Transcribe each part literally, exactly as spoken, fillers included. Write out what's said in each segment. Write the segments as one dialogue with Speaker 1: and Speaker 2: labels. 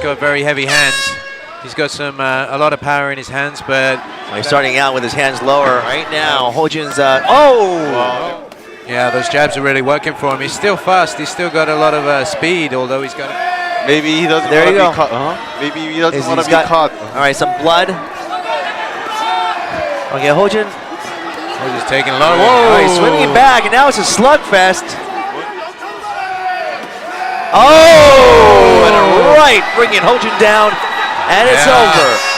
Speaker 1: got very heavy hands. He's got some uh, a lot of power in his hands, but
Speaker 2: well, he's starting out with his hands lower right now. Hojin's uh, oh. Wow.
Speaker 1: Yeah, those jabs are really working for him. He's still fast. He's still got a lot of uh, speed, although he's got. A
Speaker 3: Maybe he doesn't
Speaker 2: there
Speaker 3: want
Speaker 2: you
Speaker 3: to
Speaker 2: go.
Speaker 3: be caught. Uh-huh. Maybe he doesn't want to be
Speaker 2: got,
Speaker 3: caught.
Speaker 2: All right, some blood. Okay, Hojin.
Speaker 1: Hojin's taking a lot.
Speaker 2: Whoa! Oh, he's swinging back, and now it's a slugfest. Oh, and a right, bringing Hojin down, and it's
Speaker 1: yeah.
Speaker 2: over.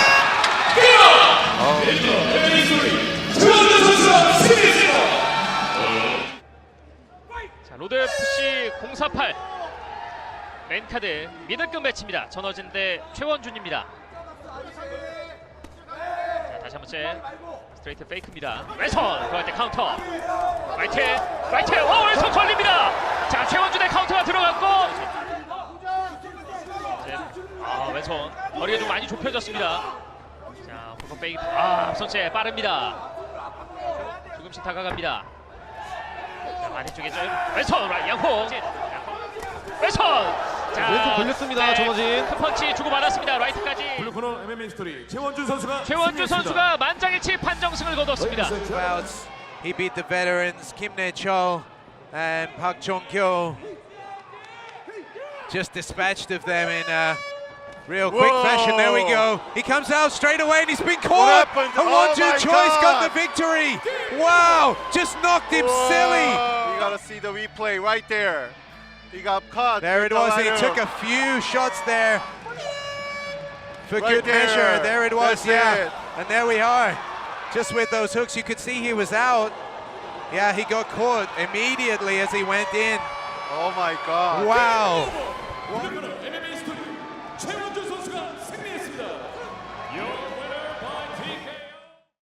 Speaker 4: 로드에프씨 공사팔 맨카드 미들급 매치입니다. 전어진 대 최원준입니다. 자, 다시 한번째 스트레이트 페이크입니다. 왼손 들어갈 때 카운터 라이트 라이트 오 왼손 걸립니다. 자 최원준의 카운터가 들어갔고 아 왼손 거리가 좀 많이 좁혀졌습니다. 자 호커 페이크 아 선체 빠릅니다. 조금씩 다가갑니다. 자, 아래쪽에 좀 왼손 양호 왼손 자
Speaker 5: 왼손 걸렸습니다. 전어진
Speaker 4: 큰 펀치 주고받았습니다. 라이트까지
Speaker 5: 블루코너 엠엠에이 스토리 최원준 선수가
Speaker 4: 최원준 선수가 만장일치 판정승을 거뒀습니다.
Speaker 1: Bouts. He beat the veterans Kim Ne-chul and Park Jong-kyo. Just dispatched of them in uh, real quick
Speaker 3: Whoa.
Speaker 1: fashion. There we go. He comes out straight away and he's been caught.
Speaker 3: happened?
Speaker 1: A
Speaker 3: Oh
Speaker 1: one-two
Speaker 3: my
Speaker 1: choice got
Speaker 3: God.
Speaker 1: the victory. Wow, just knocked him
Speaker 3: Whoa.
Speaker 1: silly.
Speaker 3: You gotta see the replay right there. He got caught.
Speaker 1: There it
Speaker 3: with the
Speaker 1: was. He
Speaker 3: right
Speaker 1: took
Speaker 3: hook.
Speaker 1: a few shots there for
Speaker 3: Right
Speaker 1: good
Speaker 3: there.
Speaker 1: measure. There it was.
Speaker 3: That's
Speaker 1: yeah,
Speaker 3: it.
Speaker 1: and there we are. Just with those hooks, you could see he was out. Yeah, he got caught immediately as he went in.
Speaker 3: Oh my God.
Speaker 1: Wow.
Speaker 5: 블루코너 엠엠에이 스토리 최원준